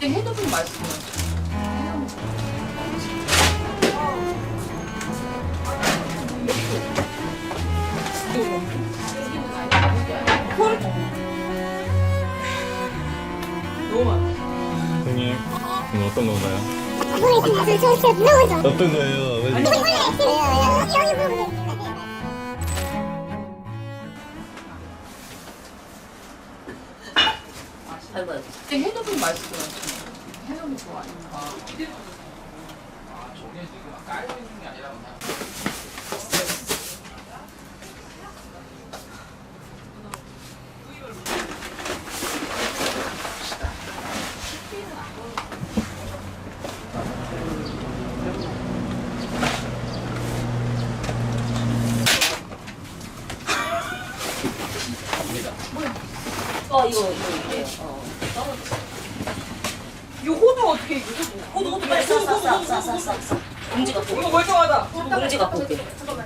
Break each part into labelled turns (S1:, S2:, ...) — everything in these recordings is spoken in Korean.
S1: 갑자기 핸드폰 말씀을. 너무 많아.
S2: 선생님, 오늘 어떤 건가요?
S3: 저
S2: 어떤 거예요? 왜
S1: 아이고, 갑자기 핸드폰 말씀을. 해놓은 거 아닌가.
S4: 저게 지금 깔려 있는 게 아니라 그냥
S1: 이거 이래요. 이 호두 어떻게 이거 호두 빨리 싸. 봉지 갖고 올게.
S5: 이거 멀쩡하다.
S1: 봉지 갖고 올게.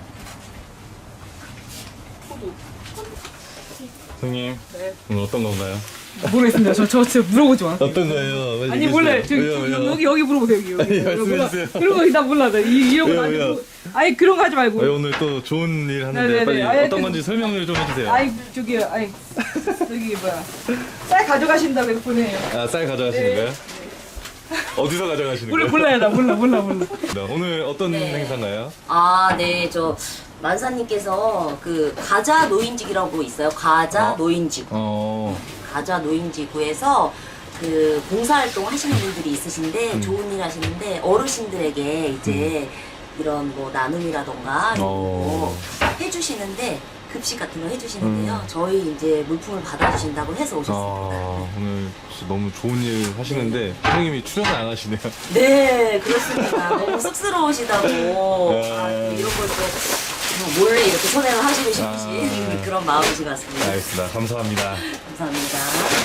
S2: 선생님, 오늘 어떤 건가요?
S5: 모르겠습니다. 저 진짜 물어보지 마.
S2: 어떤 거예요? 왜
S5: 아니
S2: 이러세요?
S5: 몰래
S2: 왜요?
S5: 여기 물어보세요. 여기.
S2: 아니, 말씀해주세요.
S5: 그런 거 나 몰라. 이런 거
S2: 왜요?
S5: 아니고. 아니 그런 거 하지 말고.
S2: 왜 오늘 또 좋은 일 하는데
S5: 네네네.
S2: 빨리
S5: 아니,
S2: 어떤
S5: 그-
S2: 건지 설명을 좀 해주세요.
S5: 아니 저기 저기 뭐야 쌀 가져가신다고 해서 보내요.
S2: 아, 쌀 가져가시는
S5: 네.
S2: 거예요? 어디서 가져가시는 거예요?
S5: 몰라요 나 몰라.
S2: 네, 오늘 어떤
S1: 네.
S2: 행사인가요?
S1: 네, 저 만사님께서 그 가자 노인직이라고 있어요. 가자 노인직. 가자 노인지구에서 그 봉사활동 하시는 분들이 있으신데 좋은 일 하시는데 어르신들에게 이제 이런 뭐 나눔이라던가 이런 거 해주시는데 급식 같은 거 해주시는데요. 저희 이제 물품을 받아주신다고 해서 오셨습니다.
S2: 오늘 진짜 너무 좋은 일 하시는데 선생님이 출연을 안 하시네요.
S1: 네, 그렇습니다. 너무 쑥스러우시다고 이런 걸 또 몰래 이렇게 선행을 하시고 싶으신 그런 마음이신 것 같습니다.
S2: 알겠습니다. 감사합니다.
S1: 감사합니다.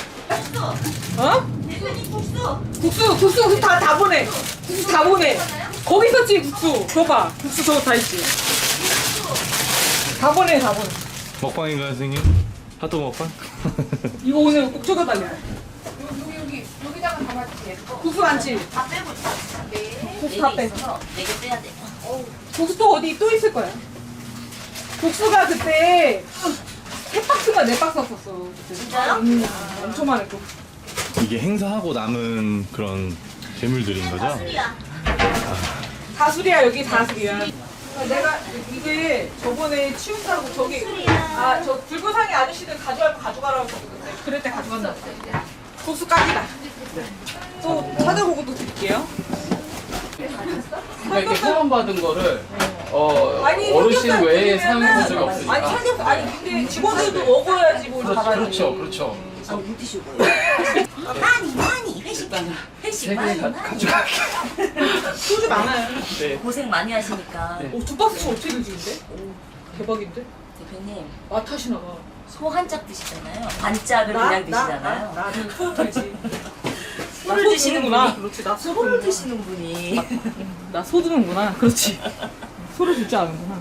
S5: 국수 다 보내. 국수 다 보내. 거기 있었지 국수. 그거 봐. 국수 저거 다 있지. 다 보내.
S2: 먹방인가요, 선생님? 핫도그 먹방?
S5: 이거 오늘 꼭 쳐다달래.
S1: 여기다가 담아주세요.
S5: 국수 많지?
S1: 다 빼고 있어.
S5: 국수 다 빼.
S1: 4개 빼야 돼.
S5: 국수 또 어디 또 있을 거야. 국수가 그때 3박스가 4박스 왔었어. 그때.
S1: 진짜요?
S5: 엄청 많았고.
S2: 이게 행사하고 남은 그런 재물들인 거죠?
S5: 다술이야 여기 다술이야. 내가 이게 저번에 치운다고 저기 저 붉은상의 아저씨들 가져갈 거 가져가라고 했는데 그럴 때 가져간다. 국수 깍이다. 또 찾아보고 또 드릴게요.
S4: 그러니까 이게 후원받은 거를
S5: 아니,
S4: 어르신
S5: 삼겹살
S4: 외에
S5: 드리면은-
S4: 사용해 본 적이 없으니까.
S5: 아니 삼겹살 아니 근데 직원들도 먹어야지 뭘 잘하지.
S4: 그렇죠.
S1: 많이 회식
S4: 일단
S1: 회식
S4: 3개
S1: 많이
S4: 가져갈게.
S5: 소주 많아요.
S4: 네.
S1: 고생 많이 하시니까.
S4: 네.
S5: 2박스씩 어떻게 드시는데? 대박인데?
S1: 대표님
S5: 맛 타시나 봐.
S1: 소 한 짝 드시잖아요. 반짝을 그냥 드시잖아요.
S5: 나는 소 들지.
S1: 소를
S5: 소
S1: 드시는구나.
S5: 드는구나. 그렇지. 나 소
S1: 소를
S5: 드는구나.
S1: 드시는 분이.
S5: 나 소 드는구나. 그렇지. 소를 듣지 않는구나.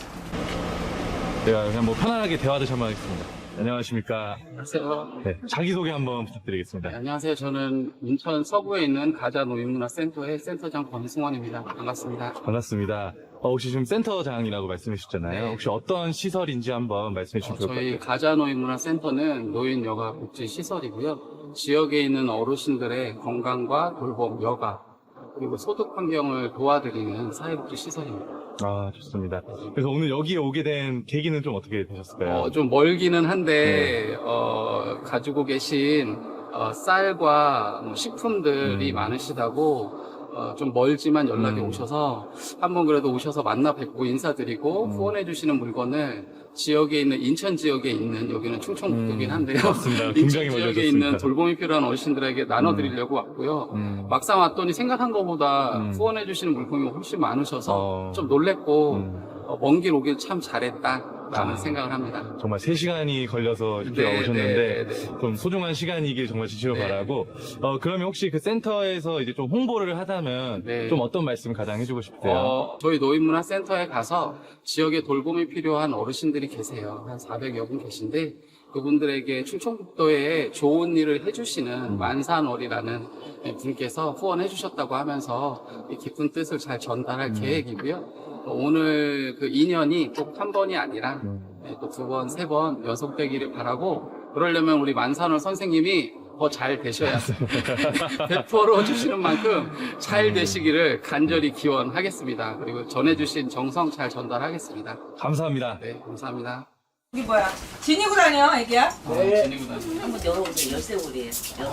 S2: 제가 그냥 뭐 편안하게 대화를 한번 하겠습니다. 안녕하십니까.
S4: 안녕하세요.
S2: 네, 자기소개 한번 부탁드리겠습니다.
S4: 안녕하세요. 저는 인천 서구에 있는 가자 노인문화센터의 센터장 권승원입니다. 반갑습니다.
S2: 반갑습니다. 혹시 지금 센터장이라고 말씀해 주셨잖아요.
S4: 네.
S2: 혹시 어떤 시설인지 한번 말씀해 주시면 좋을 것
S4: 저희
S2: 같아요.
S4: 가자 노인문화센터는 노인 여가 복지 시설이고요. 지역에 있는 어르신들의 건강과 돌봄, 여가 그리고 소득 환경을 도와드리는 사회복지 시설입니다.
S2: 아, 좋습니다. 그래서 오늘 여기에 오게 된 계기는 좀 어떻게 되셨을까요?
S4: 좀 멀기는 한데 가지고 계신 쌀과 뭐 식품들이 많으시다고 좀 멀지만 연락이 오셔서 한번 그래도 오셔서 만나 뵙고 인사드리고 후원해 주시는 물건을 지역에 있는 인천 지역에 있는 여기는 충청북도긴 한데요.
S2: 맞습니다.
S4: 인천
S2: 굉장히
S4: 지역에
S2: 멀어졌습니다.
S4: 있는 돌봄이 필요한 어르신들에게 나눠드리려고 왔고요. 막상 왔더니 생각한 것보다 후원해 주시는 물품이 훨씬 많으셔서
S2: 어.
S4: 좀 놀랬고 먼 길 오길 참 잘했다. 라는 생각을 합니다.
S2: 정말 3시간이 걸려서 이렇게
S4: 네,
S2: 오셨는데
S4: 네, 네.
S2: 좀 소중한 시간이길 정말 진심으로
S4: 네.
S2: 바라고 그러면 혹시 그 센터에서 이제 좀 홍보를 하다면
S4: 네.
S2: 좀 어떤 말씀 가장 해주고 싶으세요?
S4: 저희 노인문화센터에 가서 지역에 돌봄이 필요한 어르신들이 계세요. 한 400여 분 계신데 그분들에게 충청북도에 좋은 일을 해주시는 만산월이라는 분께서 후원해 주셨다고 하면서 이 깊은 뜻을 잘 전달할 계획이고요. 오늘 그 인연이 꼭 한 번이 아니라 또 2번, 3번 연속되기를 바라고 그러려면 우리 만산월 선생님이 더 잘 되셔야 배포로 주시는 만큼 잘 되시기를 간절히 기원하겠습니다. 그리고 전해주신 정성 잘 전달하겠습니다.
S2: 감사합니다.
S4: 네, 감사합니다.
S5: 이게 뭐야? 지니고 다녀, 애기야?
S4: 네. 지니고 다니고.
S1: 한번 열어보세요. 열쇠고리예요.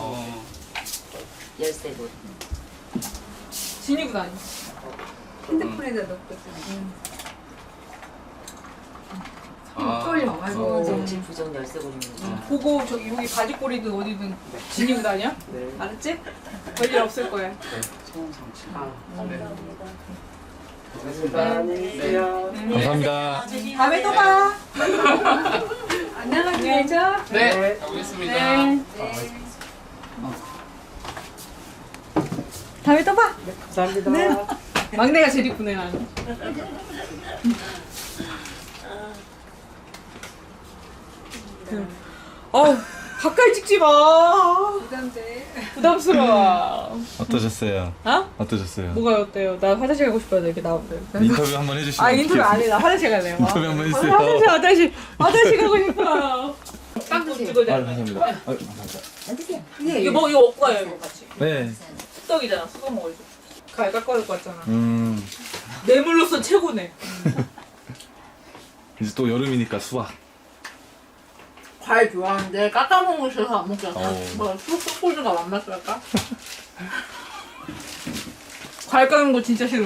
S1: 열쇠고리.
S5: 지니고 다녀.
S6: 핸드폰에다 넣고 있잖아.
S1: 정치 부정 열쇠고리입니다.
S5: 보고 저기 여기 바지꼬리든 어디든 지니고 다녀? 알았지? 별일 없을 거야.
S2: 감사합니다.
S5: 다음에 또 봐.
S6: 안 나가셔야죠?
S4: 네, 알겠습니다.
S5: 다음에 또 봐. 감사합니다. 네. 막내가 제일 이쁘네 나는. 가까이 찍지 마.
S6: 부담돼.
S5: 부담스러워.
S2: 어떠셨어요?
S5: 어?
S2: 어떠셨어요?
S5: 뭐가 어때요? 나 화장실 가고 싶어요. 이렇게 나오는데.
S2: 인터뷰 한번 해주시면
S5: 아 인터뷰 안 해. 나 화장실 갈래요.
S2: 인터뷰 한번 해주세요.
S5: 화장실 가고 싶어요.
S6: 빵 드세요.
S5: 찍어야 돼.
S2: 감사합니다.
S5: 이거 뭐 이거 먹고 가요 이거 같이.
S2: 네.
S5: 수떡이잖아. 수떡 먹어야지. 갈 깎아줄 것 같잖아.
S2: 음,
S5: 뇌물로서 최고네.
S2: 이제 또 여름이니까 수박.
S7: 과일 좋아하는데 깎아먹는 싫어서 안 먹잖아.
S2: 어.
S7: 뭐 쑥쑥 꼴드가 만났을까?
S5: 과일 깎는 거 진짜 싫어.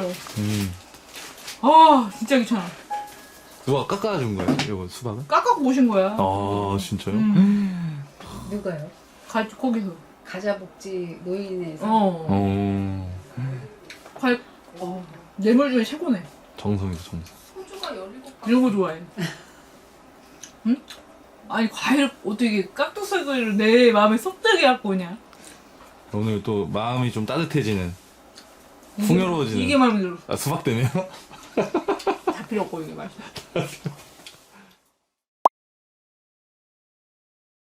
S5: 아 진짜 귀찮아.
S2: 누가 깎아준 거예요? 이거 수박은?
S5: 깎아고 오신 거야.
S2: 아 진짜요?
S6: 누가요?
S5: 거기서.
S6: 가자복지 노인에서.
S5: 어. 과일. 뇌물 중에 최고네.
S2: 정성이죠 정성.
S5: 이런 거 좋아해. 응? 아니 과일 어떻게 깍두썰기를 내 마음에 쏙 들게 갖고 오냐?
S2: 오늘 또 마음이 좀 따뜻해지는, 풍요로워지는.
S5: 이게 마음에 들어.
S2: 아 수박 때문에요?
S5: 다 필요 없고 이게 맛있어.